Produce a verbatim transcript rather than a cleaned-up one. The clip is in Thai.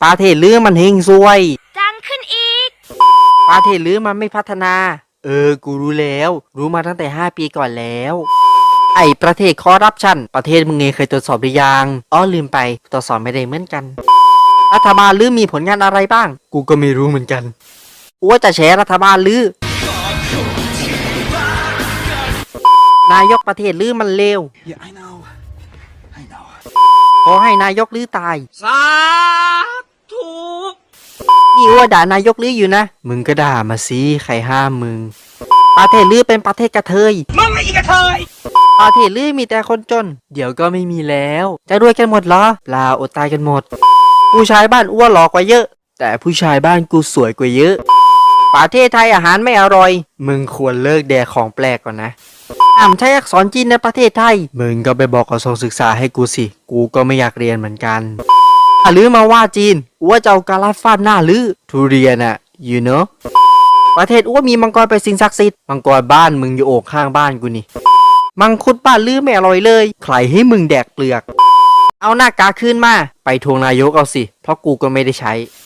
ประเทศลือมันเฮงซวยจังขึ้นอีกประเทศลือมันไม่พัฒนาเออกูรู้แล้วรู้มาตั้งแต่ห้าปีก่อนแล้วไอ้ประเทศคอร์รัปชันประเทศมึงเองเคยตรวจสอบหรือยังอ๋อลืมไปตรวจสอบไม่ได้เหมือนกันรัฐบาลลือมีผลงานอะไรบ้างกูก็ไม่รู้เหมือนกันกูว่าจะแฉรัฐบาลลือนายกประเทศลือมันเลว Yeah, I know. I know. ขอให้นายกลือตายสาธุนี่ว่าด่านายกลืออยู่นะมึงก็ด่ามาสิใครห้ามมึงประเทศลือเป็นประเทศกระเทยมึงไม่อีกกระเทยประเทศลือมีแต่คนจนเดี๋ยวก็ไม่มีแล้วจะรวยกันหมดเหรอเปล่าอดตายกันหมดผู้ชายบ้านอ้วนหล่อกว่าเยอะแต่ผู้ชายบ้านกูสวยกว่าเยอะประเทศไทยอาหารไม่อร่อยมึงควรเลิกแดกของแปลกก่อนนะห้ามใช้อักษรจีนในประเทศไทยมึงก็ไปบอกกระทรวงศึกษาให้กูสิกูก็ไม่อยากเรียนเหมือนกันถ้าลือมาว่าจีนอ้วจะเอากาลาฟาดหน้าลือทุเรียนอะ you know ประเทศอ้วมีมังกรเป็นสิ่งศักดิ์สิทธิ์มังกรบ้านมึงอยู่โอ่งข้างบ้านกูนี่มังคุดบ้านลือไม่อร่อยเลยใครให้มึงแดกเปลือกเอาหน้ากากขึ้นมาไปทวงนายกเอาสิเพราะกูก็ไม่ได้ใช้